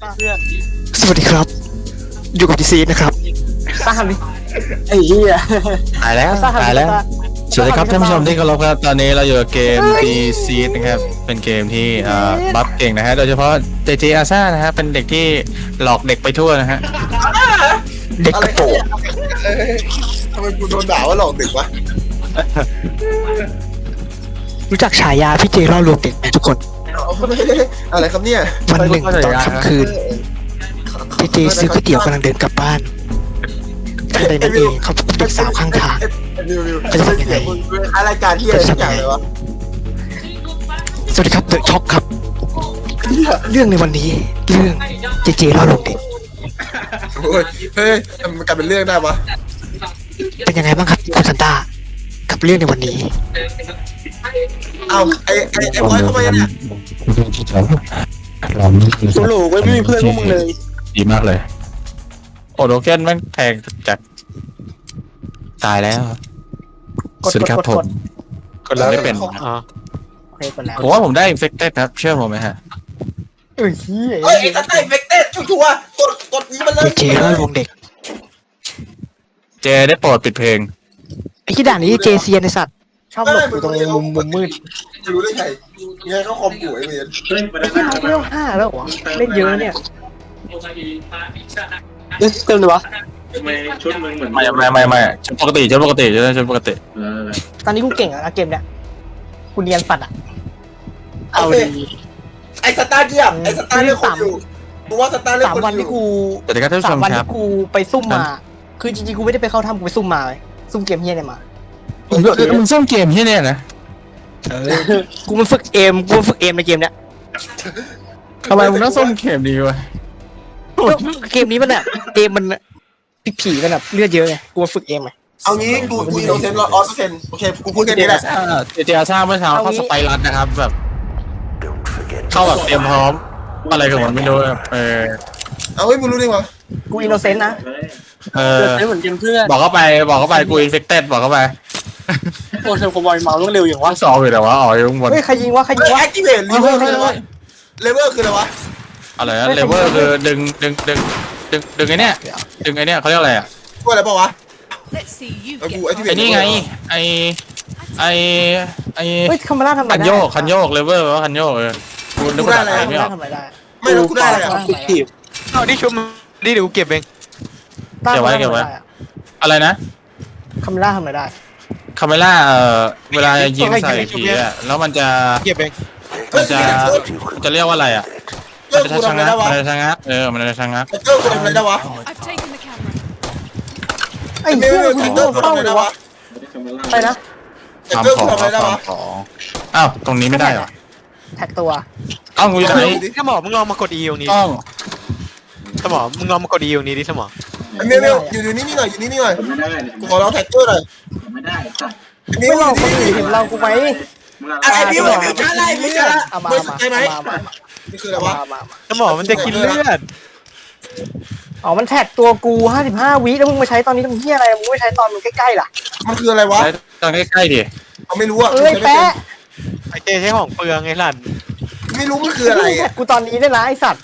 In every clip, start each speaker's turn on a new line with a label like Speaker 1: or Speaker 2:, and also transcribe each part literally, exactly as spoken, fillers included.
Speaker 1: เพื่อน
Speaker 2: สวัสดีครับ อยู่กับดีซีนะครับ
Speaker 1: ตามดิไอ้เหี้ย
Speaker 3: ตายแล้วตายแล้วสวัสดีครับท่านผู้ชมที่เคารพครับตอนนี้เราอยู่กับเกม D Seed นะครับเป็นเกมที่เอ่อบัฟเก่งนะฮะโดยเฉพาะ เจ เจ อาซ่านะฮะเป็นเด็กที่หลอกเด็กไปทั่วนะฮะ
Speaker 2: เด็กกระโปรง
Speaker 4: ทำไมกูโดนด่าว่าหลอกเด็กวะ
Speaker 2: รู้จักฉายาพี่เจล่อลวงเด็กไหมทุกคน
Speaker 4: อะไรครับเนี่ย
Speaker 2: วันหนึ่งตอนค่ำคืนพี่เจซื้อก๋วยเตี๋ยวกำลังเดินกลับบ้านทันใดนั้นเองเขาพบเด็กสาวข้างทาง
Speaker 4: วิววิว
Speaker 2: เขาจะทำยังไง
Speaker 4: อะไรายการที่อะไรสักอย่างเลยวะ
Speaker 2: สวัสดีครับเดอะช็อกครับ เรื่องในวันนี้เรื่องเจเจล่อลวงเด็ก
Speaker 4: โอ้ยเฮ้ยมันกลายเป็นเรื่องได้ปะ
Speaker 2: เป็นยังไงบ้างครับคุณซันต้ากับเรื่องในวันนี้
Speaker 4: เอาไอ้ไอ้ไอ้บอยเข้ามาเนี่ย
Speaker 1: กูหลูไว้ไม่มีเพื่อนพวกมึงเลย
Speaker 3: ดีมากเลยโอโดเกนแม่งแทงจากตายแล้วสวัสดีครับผม
Speaker 1: กดแล้ว
Speaker 3: ไม่เป็น
Speaker 1: อ๋อโอเคกดแล้ว
Speaker 3: ผมว่าผมได้ infected ครับเชื่อผมไหมฮะ
Speaker 1: เอ้ยเหี้ย
Speaker 4: เฮ้ยไอ้สัตว์ไอ้เฟกเต้ชัวร์ๆกดกดนี้มันเล
Speaker 2: เจ
Speaker 4: ย
Speaker 2: เจล่อลวงเด็ก
Speaker 3: เจได้โปรดปิดเพลง
Speaker 2: ไอ้ที่ด่านนี้เจเซียนไอสัตว์
Speaker 1: ชอบหลบอยู่ตรงมุมมุมมืด
Speaker 4: จะรู้ได้ไงยังไงเขาคอมกูไอ้เมียน
Speaker 1: ไอ้ที่เราเล่นห้าแล้วเหรอเล่นเยอะเนี่ยเล่นเต็มเลยวะ
Speaker 5: ทำไมชุดมึงเหมือน
Speaker 3: ไม่ไม่ไม่ไม่ชุดปกติชุดปกติชุดชุดปกติ
Speaker 5: เออ
Speaker 1: ตอนนี้กูเก่งอะนะเกมเนี้ยกูเนียนปัดอะเอาดี
Speaker 4: ไอ้สตาร์เกียบไอ้สตาร์เล่นคนอยู่กูว่าสตาร์เล่น
Speaker 1: สาม
Speaker 4: คน
Speaker 1: วัน
Speaker 4: อ
Speaker 1: ที่
Speaker 4: ยู่
Speaker 1: กู
Speaker 3: สวัสดีครับท่านผู้
Speaker 1: สา
Speaker 3: ช
Speaker 1: ม
Speaker 3: ม
Speaker 1: วัน
Speaker 3: ครับ
Speaker 1: ที่กูไปซุ่มมา คือจริงๆกูไม่ได้ไปเข้าถ้ำกูไปซุ่มมาเลยซุ่มเกมเฮียเนี่ยมา
Speaker 3: มึงซ่อมเกมที่เนี่ยนะ
Speaker 1: กูมันฝึกเอมกูมันฝึกเอมในเกมเนี้ย
Speaker 3: ทำไมมึงต้องซ่อมเกมดีวะ
Speaker 1: ก็เกมนี้มันแบบเอมมันผีๆมันแบบเลือดเยอะไงกูมาฝึกเอมไง
Speaker 4: เอางี้กูกูอินโนเซนต์ร้อยเปอร์เซ็นต์โอเคกูพูดแค่นี้แหละ
Speaker 3: เจเจอาซ่าเมื่อเช้าเข้าสไปรัสนะครับแบบเข้าแบบเตรียมพร้อมอะไรของมันไม่รู้แบบเออ
Speaker 4: เอาเฮ้ยมึงรู้ได้ไงวะ
Speaker 1: กูอินโนเซนต์นะ
Speaker 3: เอ
Speaker 1: อิน
Speaker 3: อ
Speaker 1: โนเซนต์เหมือนเกมเพื่อน
Speaker 3: บอกเข้าไปบอกเข้าไปกูอินเฟคเต็ดบอกเข้าไป
Speaker 1: โอ้เซลคอมบอยเมาต้องเร็วอย่างวะ
Speaker 3: ว่าสองอยู่แต่ว่าอ๋ออยู่ข้างบน
Speaker 1: เฮ้ยใครยิงวะใครยิ
Speaker 4: เฮ้
Speaker 1: ง
Speaker 4: ยว
Speaker 1: ะ
Speaker 4: แอคทีเวทเลเวอร์คืออะไรวะเลเวอร์คืออะไรวะ
Speaker 3: อะไรนะเลเวอร์คือดึงดึงดึงดึงดึงไอเนี้ยดึงไอเนี้ยเขาเรียกอะไรอ่ะ
Speaker 4: กูอะไรเปล่าวะ
Speaker 6: Let's see you
Speaker 4: ไอ้
Speaker 6: get
Speaker 4: กูไอ้ที่เว
Speaker 3: ไอ
Speaker 4: ท
Speaker 3: นี่ไงไอไอไอ
Speaker 1: เฮ้ยคามาร่าทำอะไร
Speaker 3: คัน
Speaker 1: ได้
Speaker 3: โยกคันโยกเลเวอร์แปลว่าคันโยกเออกูนึกภาษาไทย
Speaker 1: คา
Speaker 3: ไม่
Speaker 1: มา
Speaker 3: อ
Speaker 1: ร่า
Speaker 3: อก
Speaker 1: ทำอะไรได้
Speaker 4: ไม่แล้วกูได้อะไรอ่ะ
Speaker 1: ฟิกทีฟ
Speaker 7: เอานี่ชุบนี่เดี๋ยวกูเก็บเอง
Speaker 3: เก็บไว้เก็บไว้อะไรนะ
Speaker 1: คามาร่าทำอะไรได้
Speaker 3: คาเมล่าเอ่อเวลายิงใส่ผีอ่ะแล้วมันจะ
Speaker 7: เก็บเอง
Speaker 3: มันจะจะเรียกว่าอะไรอ่ะ
Speaker 4: เจ้า
Speaker 3: มันจะ
Speaker 4: กู
Speaker 3: ชะ
Speaker 4: ทำอะไร
Speaker 3: งัก
Speaker 4: ได้วะ
Speaker 3: มันจะชะงักเออมันจะชะงัก
Speaker 4: เจ้ากูทำอะไรได้วะ
Speaker 6: I've taken the camera.
Speaker 1: ไอ้
Speaker 4: ไม่
Speaker 1: เหี้ย
Speaker 4: ไม่
Speaker 1: กู
Speaker 4: ไม่
Speaker 1: ยิง
Speaker 4: เจ้า
Speaker 1: โดน
Speaker 4: กูทำอะไรได้วะ
Speaker 1: เข้าเลยวะไปนะ
Speaker 3: ทำ
Speaker 4: เจ้า
Speaker 3: ข
Speaker 4: กู
Speaker 3: อง
Speaker 4: ทำอะไรได้วะ
Speaker 3: ทำของอ้าวตรงนี้ไม่ได้เหรอ
Speaker 1: แท็กตัว
Speaker 3: เอ้าวกูอยู่ไหน
Speaker 7: สมอมึงลองมากด E ตรงนี้
Speaker 3: ต้อง
Speaker 7: สมอมึงลองมากด E ตรงนี้ดิสมอ
Speaker 4: เมียวเมียวอยู่อยู่นี่นี่หน่อยอยู่นี่นี่หน่อย
Speaker 5: ทำไม่ได้เนี่ย
Speaker 4: กูขอร้องแท็กเกอร์หน่อย
Speaker 5: ทำไม่ได้สัตว์
Speaker 4: มิ
Speaker 1: ไม่
Speaker 4: ว
Speaker 1: หลอก
Speaker 4: อ
Speaker 1: คน
Speaker 4: ยู่
Speaker 1: อื่
Speaker 4: นี่
Speaker 1: นเห็นเรากูไหม
Speaker 5: มึงละ
Speaker 4: อะไรมิวมิวช้าไรมิวช้า
Speaker 1: เอามา
Speaker 4: ไม่
Speaker 1: เอา
Speaker 4: ส
Speaker 1: มาน
Speaker 4: ใจไหม
Speaker 1: เอามา
Speaker 4: นี่คืออะไรวะ
Speaker 1: เอามาเอามา
Speaker 7: สมอมันจะกินเลือด
Speaker 1: อ๋อมันแท็กตัวกูห้าสิบห้าวิแล้วมึงมาใช้ตอนนี้ทำเหี้ยอะไรมึงไม่ใช้ตอนมึงใกล้ๆล่ะ
Speaker 4: มันคืออะไรวะ
Speaker 3: ใช้ตอนใกล้ๆดิ
Speaker 4: เขาไม่รู้อ่ะ
Speaker 1: เอ้ยแปะ
Speaker 7: ไอเจใช้ของเปลืองไงหลัน
Speaker 4: ไม่รู้มันคืออะไร
Speaker 1: แท็
Speaker 4: อ่ะ
Speaker 1: กกูตอนนี้ได้นะไอสัตว์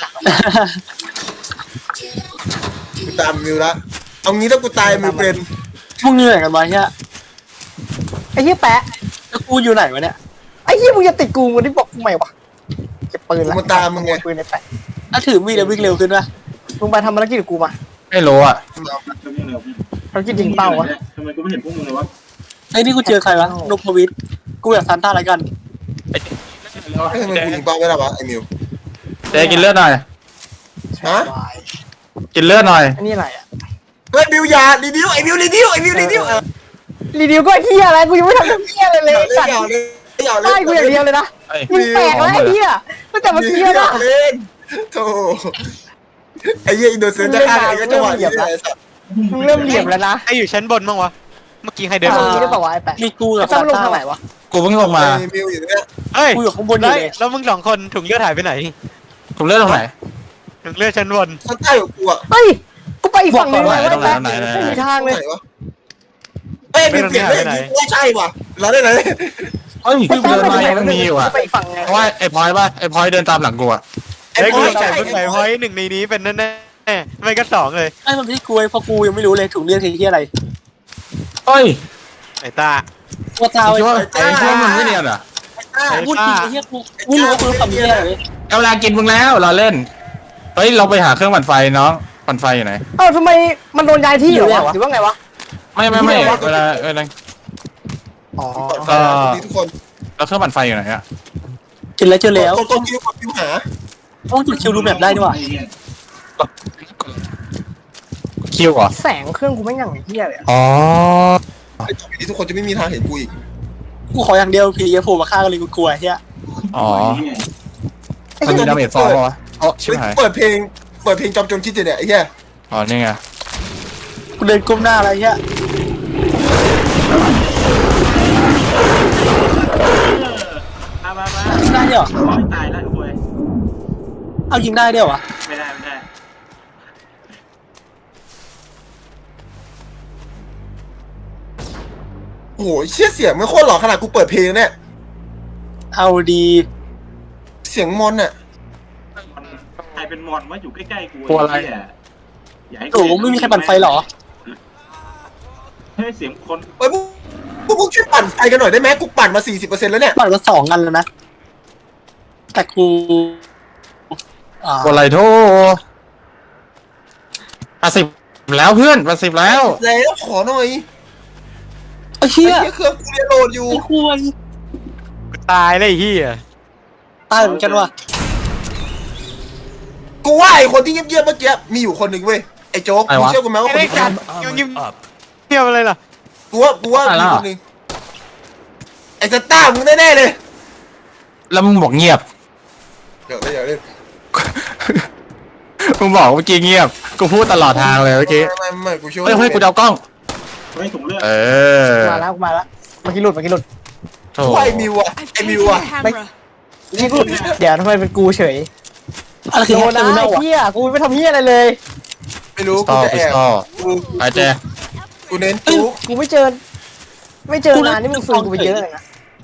Speaker 4: กูตามมิวละเอางี้ถ้ากูตายมิวเป็น
Speaker 1: มึงเหนื่อยกันวะเนี่ยไอ้เหี้ยแปะแล้วกูอยู่ไหนวะเนี่ยไอ้เหี้ยมึงจะติดกูมึงได้บอกกูใหม่วะเก็บปืนละ
Speaker 4: มันตามมึงไง
Speaker 1: ปืนในแปะถ้าถือมีดแล้ววิ่งเร็วขึ้นวะมึงไปทำภารกิจกับกูมา
Speaker 3: ไม่รู้อ่ะ
Speaker 5: ทำยังไง
Speaker 1: ภารกิจยิงเป้าวะ
Speaker 5: ทำไมกูไม่เห็นพวกมึงเลยวะ
Speaker 1: ไอ้นี่กูเจอใครวะนพวิทย์กูอยากซันต้าอะไรกัน
Speaker 4: ไอ้ทำไมกูยิงเป้าไม่ได้วะไอ้มิว
Speaker 3: เจกินเลือดหน่อย
Speaker 4: ฮะ
Speaker 3: กินเลือดหน่อย
Speaker 1: อันนี้อะไรอ่ะ
Speaker 4: เฮ้ยมิวยารีดิวไอ้มิวรีดิวไอ้มิวรีดิวเออ
Speaker 1: รีวิวก็ไอ้เหี้ยอะไรกูยังไม่ทำเหี้ยอะไรเลย
Speaker 4: เล่น
Speaker 1: สัตว์
Speaker 4: ยาวเล่นยาวเล่
Speaker 1: ได้
Speaker 4: น
Speaker 1: กูอย่างเดียวเลยนะ
Speaker 3: เอ้ย
Speaker 1: มึงแปลกแล้วไอ้เหี้ยตั้งแต่เมื่อกี้
Speaker 4: ยา
Speaker 1: นะ
Speaker 4: วเล่นโธ่ไอ้เหี้ยอินโดเซนจะฆ่าไอ้ก็จังหวะนี้เลย
Speaker 1: มึงเริ่มเหลี่ยมแล้วนะ
Speaker 7: ไออยู่ชั้นบนบ้างวะเมื่อกี้ใครเดิ
Speaker 1: เดี๋ย
Speaker 7: น
Speaker 1: ว
Speaker 7: มา
Speaker 1: นี้ได้ป่าวะไอ้แปะมีกูกับซันต้าลงทางไหนวะ
Speaker 3: กูเพิ่งลงมา
Speaker 4: ไอ้มิวอยู่เนี่ย
Speaker 7: เฮ้ย
Speaker 1: กูอยู่ข้างบนอยู่
Speaker 7: แล้ว
Speaker 1: เลย
Speaker 7: แล้วมึงสองคนถุงเลือดหายไปไหน
Speaker 3: ผมเลือดตรงไหน
Speaker 7: ถุงเลือดชั้นบน
Speaker 4: ข้างใต้ของกูอ่ะ
Speaker 1: เฮ้ยกูไปอีกฝั่งหนึงเลย
Speaker 3: ตรงไหน
Speaker 1: แปะ
Speaker 3: ตรงไหนตรงไหน
Speaker 1: ไม่มีทางเลย
Speaker 4: ไหนวะเอ้ยมิวเปลี่ยนเลยว่าใช่ว่ะเราได้ไหน
Speaker 3: เอ้ยกูเดินมายังมีอยู่อ่ะ
Speaker 1: ไปอีกฝั่งไง
Speaker 3: เพราะว่าไอ้พลอยป่ะไอ้พลอยเดินตามหลังกูอ่ะ
Speaker 4: ไอ้
Speaker 7: เฮ้ย
Speaker 4: พ
Speaker 7: กู
Speaker 4: อย
Speaker 7: ใส่
Speaker 4: ใช่
Speaker 7: เพิ่งใส่พอยหนึ่งในนี้เป็นแน่ๆไม่ก็สองเลย
Speaker 1: ไอ้มันพี่กูไอ้พอกูยังไม่รู้เลยถุงเลือดคือที่อะไร
Speaker 3: เฮ้ย
Speaker 7: ไอ้ตา
Speaker 1: ตัวตา
Speaker 3: คิด
Speaker 1: ไอ้
Speaker 3: ว่าไอ้คิดว่ามึงไม่เนียนเหรอ
Speaker 1: พูดจริงไอ้เหี้ยกูไม่รู้ว่ากูทำเหี้ยอะไรเลย
Speaker 3: เอาเวลากินมึงแล้วเราเล่นเฮ้ยเราไปหาเครื่องปั่นไฟน้องปั่นไฟอยู่ไหน
Speaker 2: เอ้าทำไมมันโดนย้ายที่เหรอวะหรือว่าไงวะ
Speaker 3: ไม่ไม่ไม่เวลาเวลา
Speaker 2: อ๋อ
Speaker 4: ก็ทุกคน
Speaker 3: แล้วเครื่องปั่นไฟอยู่ไหนอะ
Speaker 1: กินแล้วเจอแล้ว
Speaker 4: ตัวตัวคิวกับคิวหา
Speaker 1: ต้องจุดคิวรูแบบได้ด้วยว่ะ
Speaker 5: ไอ้เหี้ย
Speaker 3: คิวเหรอ
Speaker 2: แสงเครื่องกูไม่งอย่างไอ้เหี้ยเลยอะ
Speaker 3: อ๋อ
Speaker 4: ที่ทุกคนจะไม่มีทางเห็นกูอีก
Speaker 1: กูขออย่างเดียวผีอย่าโผล่มาฆ่ากันเลยกูกลัวไอ้เหี้ย
Speaker 3: อ๋อ
Speaker 1: ไอ้
Speaker 3: มัน
Speaker 1: เหี้ย
Speaker 3: มีดาเมจฟองปะวะอ๋อชิบหาย
Speaker 4: เปิดเพลงเปิดเพลงจอมโจรคิดเนี่ยไอ้เหี้ย
Speaker 3: อ๋อนี่ไง
Speaker 1: กูเดินก้มหน้าอะไรเหี้ย
Speaker 5: มามามา
Speaker 1: ยิงได้ด้วยเหรอ
Speaker 5: ขอให้ตายแล้วคุย
Speaker 1: เอายิงได้ด้วยเหรอวะ
Speaker 5: ไม่ได้ไม่ได้
Speaker 4: โอ้โหเชี่ยเสียงไม่โคตรหล่อขนาดกูเปิดเพลงเนี่ย
Speaker 1: เอาดี
Speaker 4: เสียงมอนอะ
Speaker 5: ใครเป็นมอนว่าอยู่ใกล้ๆกู
Speaker 3: กลัวอะไร
Speaker 5: เหี้ยอย่าให้
Speaker 1: โอ้โหไม่มีใครปั่นไฟเหรอ
Speaker 5: เฮ้ยเสียงคน
Speaker 4: เฮ้ยพวกพวกมึงช่วยปั่นไฟกันหน่อยได้ไหมกูปั่นมา สี่สิบเปอร์เซ็นต์ แล้วเนี่ย
Speaker 1: ปั่นมาสองอันแล้วนะแต่กูอ่า
Speaker 3: กดอะไรโทแปดสิบแล้วเพื่อนแปดสิบแล้ว
Speaker 4: แล้วขอหน่อย
Speaker 1: ไอ้
Speaker 4: ไอ้
Speaker 1: เหี้ย
Speaker 4: เหี้ยเครื่องกูเรียนโหลดอยู่
Speaker 1: ไอ้ควร
Speaker 7: กูตายเลยไอ้เหี้ย
Speaker 1: ตายเหมือนกันว่ะ
Speaker 4: กูว่าไอ้คนที่เงียบๆเมื่อกี้มีอยู่คนหนึ่งเว้ยไอ้โจ๊ก
Speaker 3: ไอ้
Speaker 4: มึง
Speaker 3: วะ
Speaker 4: เชื่อกูไหมว่า
Speaker 7: ไอ้
Speaker 4: คน
Speaker 7: เด็ก
Speaker 4: นี้
Speaker 7: จัดยังยิ้มเที่ยวอะไรล่ะ
Speaker 4: กูว่ากูว่ามีคนหนึ่งไอ้สตาร์มึงแน่ๆเลย
Speaker 3: แล้วมึงบอกเงียบ
Speaker 4: เดี๋ยวเดี๋ยวเดี๋ยว
Speaker 3: มึงบอกเมื่อกี้เงียบ กูพูดตลอดทางเลยเมื่อกี้
Speaker 4: ไม่ไม่ไม่กูเชื่อ
Speaker 3: เฮ้ยเฮ้ยกูจะเอากล้อง
Speaker 5: เฮ้ยถุงเลือด
Speaker 3: เออ
Speaker 2: มาแล้วกูมาแล้วเมื่อกี้หลุดเมื่อกี้หลุด
Speaker 3: โถ
Speaker 4: กูว่าไอ้มิวอะ
Speaker 6: I've
Speaker 4: ไอ้
Speaker 6: taken
Speaker 4: มิวอะ
Speaker 6: the camera.
Speaker 2: นี่กูเดี๋ยวทำไมเป็นกูเฉย
Speaker 1: อะไรคือ
Speaker 2: โด
Speaker 1: แฮ
Speaker 2: น
Speaker 1: กเตอ
Speaker 2: นะ
Speaker 1: ร์มินอ
Speaker 2: ไอ้
Speaker 1: ลวะ
Speaker 2: เหี้ยกูไม่ทำเหี้ยอะไรเลย
Speaker 4: ไม่รู้
Speaker 3: ต่
Speaker 4: กู
Speaker 3: อ
Speaker 4: จะ
Speaker 3: ไป
Speaker 4: แอบ
Speaker 3: ต่อ
Speaker 4: กู
Speaker 3: ไปเจ
Speaker 4: กูเน้นจุ๊ก
Speaker 2: กูไม่เจอ ไม่เจอนานนี่มึงฟืนกูไปเยอะเลยนะ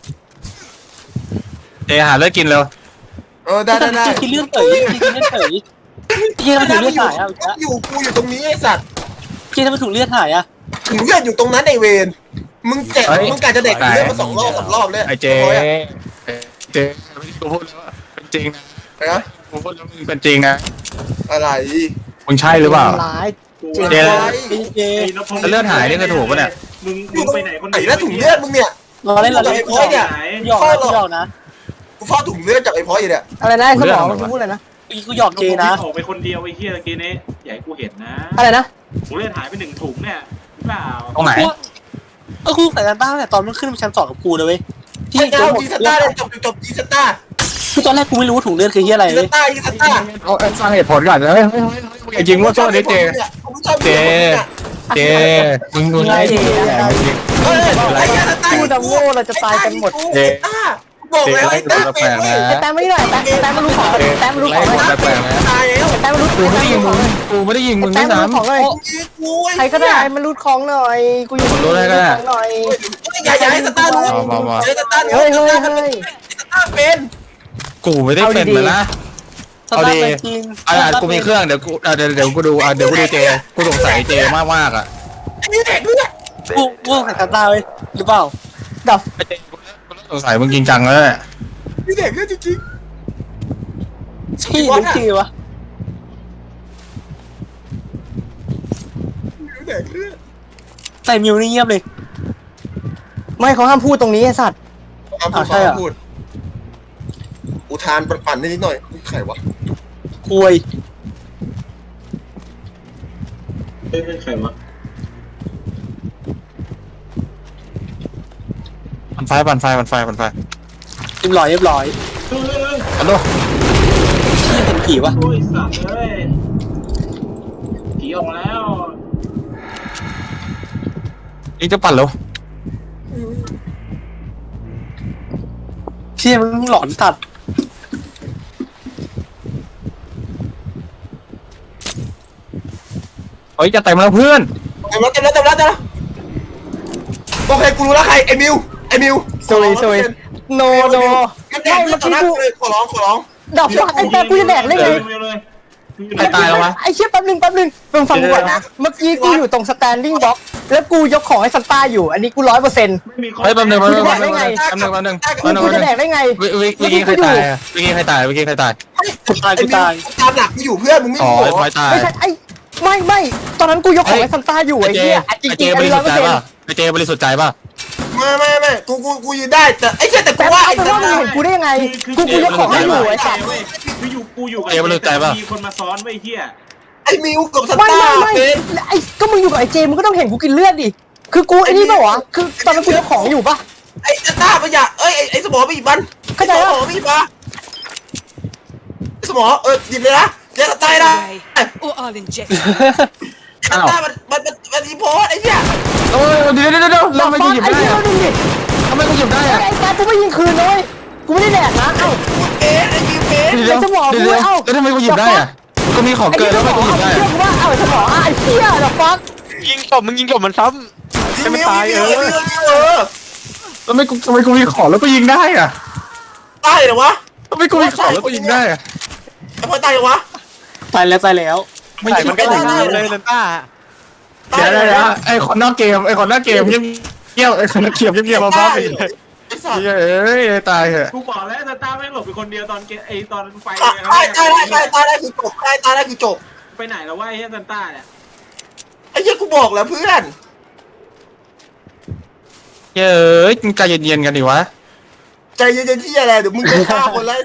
Speaker 3: เจหาเลิกกินเร็ว
Speaker 4: เออได้ได้ได้
Speaker 1: กินเลือดเต๋ยกินเลือดเต๋ยพี่ทำไมถุงเลือดหายอ่ะ
Speaker 4: อยู่กูอยู่ตรงนี้ไอ้สัตว์
Speaker 1: พี่ทำไมถุงเลือดหายอ่ะ
Speaker 4: ถึงเลือดอยู่ตรงนั้นไอ้เวนมึงแจก
Speaker 3: เฮ้ย
Speaker 4: มึงกะจะเด็กเลือดมาสองรอบสามรอบเลย
Speaker 3: ไอเจ
Speaker 4: ร้อยอะ
Speaker 3: เจกูพูดแล้วว่าเป็นจริงนะ
Speaker 4: นะ
Speaker 3: กูพูดแล้วมึงเป็นจริงนะ
Speaker 4: อะไร
Speaker 3: มึงใช่หรือเปล่า
Speaker 2: ร้าย
Speaker 5: กู
Speaker 3: เจ
Speaker 5: ว่า
Speaker 1: ไอ้เจ
Speaker 5: ไอ้นพงศ์
Speaker 3: แล้วเลือดหายนี่คือถูกปะเนี่ย
Speaker 5: มึง
Speaker 4: อ
Speaker 5: มึ
Speaker 4: ยู่
Speaker 5: ง
Speaker 4: ตรง
Speaker 5: ไปไหนคน
Speaker 4: ไหน
Speaker 5: เดียว
Speaker 4: แล้วถุงเลือดมึงเนี่ย
Speaker 1: รอเล่นรอเล่น
Speaker 4: ไอ้พอยเนี่ย
Speaker 1: หยอกนะหยอกนะ
Speaker 4: กูเฝ้าถุงเลือดจากไอ้พอยอยู่เนี่ย
Speaker 2: อะไรนะไอ้สมองมึงพูดอะไรนะ
Speaker 1: กูหยอกเจนะ
Speaker 5: ออกไปคนเดียวไอ้เหี้ยเกนี้อย่าให้กูเห็นนะ
Speaker 2: อะไรนะ
Speaker 5: ถุงเลือดหายไปหนึ่งถุงเนี่ยหรือเปล่า
Speaker 3: ตรงไหน
Speaker 1: เออกูใส่กันบ้างแต่ตอนมันขึ้นมาชั้นสองกับกูเลยเว้ยที่
Speaker 4: ไอ้
Speaker 1: โด
Speaker 4: เจ้าน
Speaker 1: หมด
Speaker 4: จีสตาร์เลยจบจบจีสตาร์
Speaker 1: คือตอนแรกกูไม่รู้ว่าถุงเลือดคือที่อะไร
Speaker 4: จีส
Speaker 1: เว้ย
Speaker 4: ตาร์จีสตาร์
Speaker 3: เอาเอาฟังเหตุผลก่อนเฮ้ยเฮ้ยเฮ้ยเฮ้ยอย่ายิงว่าโซ่ดิเจ เจ เจ มึงดูไล่ดิ
Speaker 4: เฮ้ยไอ้เจ้าสตาร์
Speaker 2: พูดดำโง่เราจะตายกันหมด
Speaker 3: เจ
Speaker 4: บอกแล้วไอ้ตา
Speaker 3: แปลกๆนะ
Speaker 2: ไอ้แต้มไม่ได้หน่อยแต้มแต้มมารู้ของเลยแต้มมารู้ของเลย
Speaker 3: แปลกๆนะ
Speaker 4: ตายแล้ว
Speaker 2: แต้มมารู้
Speaker 3: กูไม่ได้ยิงมึงกูไม่ได้ยิงมึง
Speaker 2: แต้
Speaker 3: ด้ว
Speaker 2: ม
Speaker 3: ย
Speaker 2: มารู้ของ
Speaker 3: ซ้ำ
Speaker 2: เลย
Speaker 4: กู
Speaker 2: ใครก็ได้มารู้ของหน่อยกูอยู่
Speaker 3: รู้ได้ก็ได้
Speaker 2: ของหน่อย
Speaker 4: อย่าอย่าให้สตาร์รู้
Speaker 3: มามามา
Speaker 4: เฮ้ยสตาร์
Speaker 2: เฮ้ยเฮ้ยเฮ้ย
Speaker 4: สตาร์เป็น
Speaker 3: กูไม่ได้เป็นมาละ
Speaker 1: สตาร์ทจริง
Speaker 3: อ่ะกูมีเครื่องเดี๋ยวกูอ่ะเดี๋ยวเดี๋ยวกูดูอ่ะเดี๋ยวกูดูเจ กูสงสัยเจมากมากอ่ะ
Speaker 4: ไอ้นี่แดกเลือด
Speaker 1: กูกูใส่สตาร์เว้ยหรือเปล่า
Speaker 2: ดับ
Speaker 3: ไอ้เจกูสงสัยมึงจริงจังแล้วแหละ
Speaker 4: นี่แดกเลือดจริง
Speaker 1: ที่หรือที่วะ
Speaker 4: ๆนี่แดกเลือด
Speaker 1: แต่มิวนี่เงียบเลย
Speaker 2: ไม่เขาห้ามพูดตรงนี้ไอ้สัตว์
Speaker 4: เอาพูด
Speaker 1: ใช่เหรอ
Speaker 4: พูดอุทานปั่นๆนิดหน่อยใครวะ
Speaker 1: คุย
Speaker 5: เฮ้ยเฮ้ยใครวะ
Speaker 3: ปั่นไฟปั่นไฟปั่นไฟปั่นไฟ
Speaker 1: เรียบร้อยเรียบร้อย
Speaker 5: เฮ้ยเฮ้ยเฮ้ย
Speaker 3: ฮัลโหล
Speaker 1: ที่เห็นผีวะ
Speaker 5: โอ้ยสัตว์เอ้ยผีออกมาแล้ว
Speaker 3: นี่จะปั่นแล้ว
Speaker 1: ที่มันหลอนตัด
Speaker 3: เฮ้ยจะเต็มแล้วเพื่อน
Speaker 4: เต็มแล้วเต็มแล้วเต็มแล้วเต็มแล้วโอเคกูรู้แล้วใครไอ้มิวไอ้มิว
Speaker 2: สวยสวยโนโน
Speaker 4: ไม่แดกเลือดต่อหน้ากูเลยขอร้องขอร้อง
Speaker 1: ดอกฟักไอ้แป๊บกูจะแดกได้ไง
Speaker 5: เร็วเลย
Speaker 3: ใครตายแล้ววะ
Speaker 1: ไอ้เชี่ยแป๊บนึงแป๊บนึงมึงฟังกูก่อนนะเมื่อกี้กูอยู่ตรง standing box แล้วกูยกของให้ซันต้าอยู่อันนี้กูร้อยเปอร์เซ็นต์
Speaker 5: ไม่มีคน
Speaker 3: เฮ้ยแป๊บนึงแป๊บนึง
Speaker 1: กู
Speaker 3: แป๊บ
Speaker 1: จะ
Speaker 3: นึง
Speaker 1: แดกได้ไง
Speaker 3: แป๊บนึงแป๊บนึง
Speaker 1: กู
Speaker 3: แป๊บนึง
Speaker 1: กู
Speaker 3: แป๊บ
Speaker 1: จะ
Speaker 3: นึ
Speaker 1: แด
Speaker 3: ง
Speaker 1: กได้ไง
Speaker 3: วิวิวิกี้ใครตายอะวิกี้ใครตายวิกี้ใครตาย
Speaker 1: กูตายกูตาย
Speaker 4: ตามหลักกูอยู่เพื่อนมึงไม่
Speaker 3: อ๋อ
Speaker 4: รู้
Speaker 3: ไอ้พลอยตาย
Speaker 1: ไม่ใช่ไอ้ไม่ไม่ตอนนั้นกูยกของให้ซันต้าอยู่
Speaker 3: ไอ้
Speaker 1: ไอ้
Speaker 3: เจ
Speaker 1: เหี้ยจริง
Speaker 3: ไอ้
Speaker 1: จ
Speaker 3: เจ
Speaker 1: ริง
Speaker 3: บ
Speaker 1: อัน
Speaker 3: ริ
Speaker 1: นี้
Speaker 3: สุ
Speaker 1: ร้
Speaker 3: ท
Speaker 1: อย
Speaker 3: ธิ์
Speaker 1: เปอ
Speaker 3: ใจ
Speaker 1: ร์เซ็น
Speaker 3: ป่ะ
Speaker 1: ต์
Speaker 3: ไอ้เจบริสุทธิ์ใจป่ะ
Speaker 4: ไม่ไม่ไม่กูกูกูยืนได้แต่ไอ้เชี่ยแต่กู
Speaker 1: แต่
Speaker 4: ว่า
Speaker 1: เอา
Speaker 4: ไอ้
Speaker 1: เป็นว่ามึงเห็นกูได้ยังไงกูกูยกของให้อยู่ไอ้สัตว์
Speaker 5: เว้ยคืออยู่กูอยู่กับมีคนมาซ้อนไว้เฮีย
Speaker 4: ไอ้มิวกับส
Speaker 1: ไม่
Speaker 4: ตา
Speaker 1: ไม่
Speaker 4: ร์
Speaker 1: ไม่
Speaker 4: เป็น
Speaker 1: ไอ้ก็มึงอยู่กับไอ้เจมึงก็ต้องเห็นกูกินเลือดดิคือกูไอ้นี่เปล่าวะคือตอนนั้นกูยกของอยู่ปะ
Speaker 4: ไอ้สตาร์มันอย่าเอ้ยไอ้ไอ้สมอไปหยิบมัน
Speaker 1: เข้าใจ
Speaker 4: ส
Speaker 1: ปะ
Speaker 4: มอไปหยิบมาสมอเออหยิบเลยนะเดี๋ยวตายนะ
Speaker 6: Away. Or I'll inject.
Speaker 4: ไอ้สตาร์มันมันมันมันอีโพสไอ้เหี้ย
Speaker 3: เออเดี๋ยวเดี๋ยวเดี๋ยวแล้วทำไมกูหยิบ
Speaker 1: ไอ้
Speaker 3: ได้
Speaker 1: เหี้ย
Speaker 3: อะ
Speaker 1: ดูดิ
Speaker 3: ทำไมกูหยิบได้อะ
Speaker 1: ไอ้แป๊บกูไม่ยิงคืนเลยกูไม่ได้แดกนะเอ้า
Speaker 4: เอ๊ะไอ้มิวเป็น
Speaker 3: เดี๋ยว
Speaker 1: ไอ้สมอง
Speaker 3: เดี๋ยว
Speaker 1: กู
Speaker 3: เดี๋ยว
Speaker 1: เอ้า
Speaker 3: แล้วทำไมกูหยิบได้อะกูมีของ
Speaker 1: ไอ้
Speaker 3: เกิน
Speaker 1: เหี้ย
Speaker 3: แล้ว
Speaker 1: ส
Speaker 3: ทำไม
Speaker 1: มอง
Speaker 3: กูหยิบ
Speaker 1: เอา
Speaker 3: ได้
Speaker 1: เชื่อ
Speaker 3: อะ
Speaker 1: กูว่าเอาไอ้สมองอ่ะไอ้เหี้ยเดี๋ยวฟัก
Speaker 7: ยิงศพมึงยิงศพมันซ้ำให้มันตายเออ
Speaker 4: เออ
Speaker 3: ทำไมกูทำไมกูมีของแล้วกูยิงได้อะ
Speaker 4: ตายเหรอวะ
Speaker 3: ทำไมกูมีของแล้วกูยิงได้อะ
Speaker 4: ไอ้พอตายเหรอวะ
Speaker 1: ตายแล้วตายแล้ว
Speaker 3: ไม่
Speaker 7: ใส่
Speaker 3: ใช่
Speaker 7: มันก็อย่างนี้เลยซันต้า
Speaker 3: เดี๋ยวเดี๋ยวเดี๋ยวไอ้คนนอกเกมไอ้คนนอกเกมเงียบเงียบไอ้คนนอกเกมเงียบเงียบมาบ้าไปเลย
Speaker 4: ไอ้สัตว์
Speaker 3: เอ้ยตายเหอะ
Speaker 5: กูบอกแล้วซาต้าแม่งหลบไปคนเดียวตอนเกไอตอนไฟ
Speaker 4: ตายตายตายตายตายได้คือจบตายตายได้คือจบ
Speaker 5: ไปไหนแล้ววะไอ้เฮียซาต้าเนี่ย
Speaker 4: ไอ้เหี้ยกูบอกแล้วเพื่อน
Speaker 3: เอ้ยใจเย็นๆกันดิวะ
Speaker 4: ใจเย็นๆที่อะไรเดี๋ยวมึงจะฆ่าคนแล้ว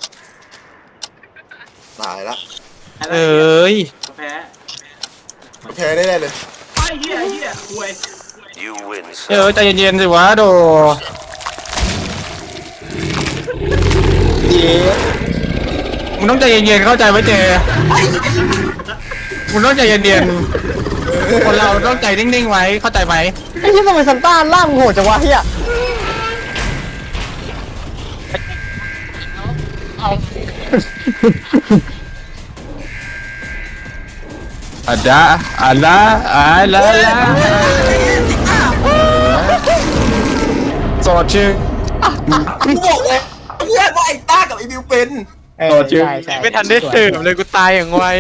Speaker 4: ตายละ
Speaker 3: เอ้ย
Speaker 5: แพ้
Speaker 4: แพ้ได้เลย
Speaker 5: ไอ้เฮียไอ้เฮียควย
Speaker 3: เอ้ยใจเย็นๆสิวะโด
Speaker 1: เย้
Speaker 3: มึงต้องใจเย็นๆเข้าใจไหมเจมึงต้องใจเย็นๆคนเราต้องใจนิ่งๆไว้เข้าใจไหม
Speaker 1: ไอ้เหี้ยทำไมซันต้าล่างโหดจังวะเหี้ย
Speaker 3: อันดาอันดาอันดาสอดชื่อ
Speaker 4: กูบอกเลยเพื่อนว่าไอ้ต้ากับไอ้บิวเป็น
Speaker 1: เออใช่ใช่
Speaker 7: ไม่ทันได้สืบเลยกูตายอย่างไว